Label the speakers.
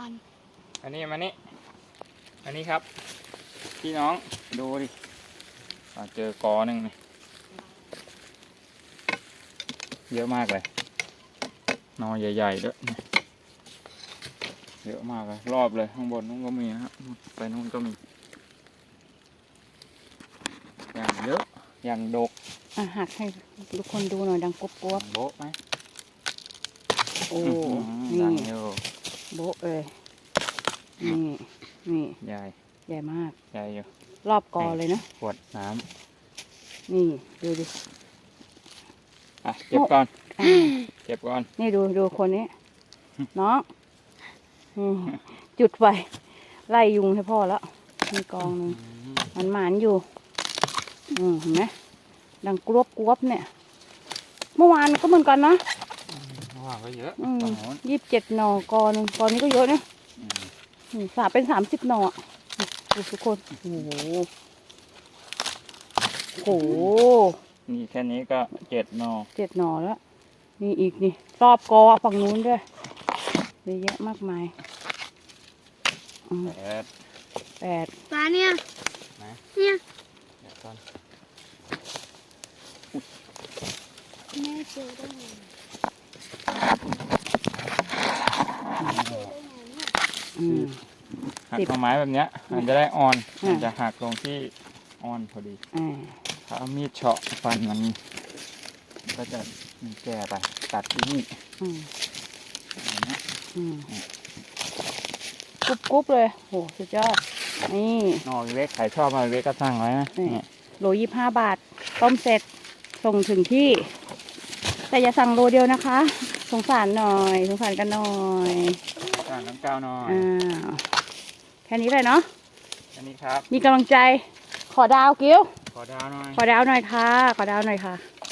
Speaker 1: อันนี้มานี่อันนี้ครับพี่น้องดูดิเจอกอหนึ่งนี่เยอะมากเลยนอใหญ่ๆด้วยเยอะมากเลยรอบเลยข้างบนนู้นก็มีนะฮะไปนู้นก็มีอย่างเยอะอย่างดก
Speaker 2: หักให้ทุกคนดูหน่อยดังกรวบ
Speaker 1: โบ๊ะไหม
Speaker 2: โอ้นี่
Speaker 1: ดังอยู่
Speaker 2: โบ๊ะเลยนี่
Speaker 1: ใหญ่
Speaker 2: ใหญ่มาก
Speaker 1: ใหญ่อยู่
Speaker 2: รอบกอเลยนะ
Speaker 1: ขวดน้
Speaker 2: ำนี่ดูดิ
Speaker 1: เก็บก่อนเก็บก่อน
Speaker 2: นี่ดูคนนี้น้องจุดไฟไล่ยุงให้พ่อแล้วมีกองหนึ่งมันหมานอยู่เห็นไหมดังกรวบเนี่ยเมื่อวานก็เหมือนกันนะ
Speaker 1: เมื่อวานก็เยอะ
Speaker 2: 27 หน่อกอนึงกอนี้ก็เยอะนะเป็น30 หน่อดูทุกคนโอ้โห
Speaker 1: นี่แค่นี้ก็7 หน่อ
Speaker 2: 7 หน่อแล้วนี่อีกนี่รอบกอฝั่งนู้นด้วยเยอะแยะมากมาย8
Speaker 3: ปลาเนี่ยแม่เจอได้ไง
Speaker 1: หักต้นไม้แบบเนี้ยมันจะได้อ่อนมันจะหักลงที่อ่อนพอดีถ้าเอามีดเฉาะฟันมันก็จะแก่ไปตัดที่นี่
Speaker 2: กรุบเลยโหสุดยอดนี่
Speaker 1: นอเล็กใครชอบมาเล็กก็สั่งไว้นะ
Speaker 2: โล25 บาทต้มเสร็จส่งถึงที่แต่อย่าสั่งโลเดียวนะคะสงสารหน่อยสงสารกันหน่อย
Speaker 1: สั่งน้ำเกลือหน่อย
Speaker 2: แค่นี้เลยเนาะ
Speaker 1: แค่นี้ครับ
Speaker 2: มีกำลังใจขอดาวกิ้ว
Speaker 1: ขอดาวหน่อย
Speaker 2: ขอดาวหน่อยค่ะขอดาวหน่อยค่ะ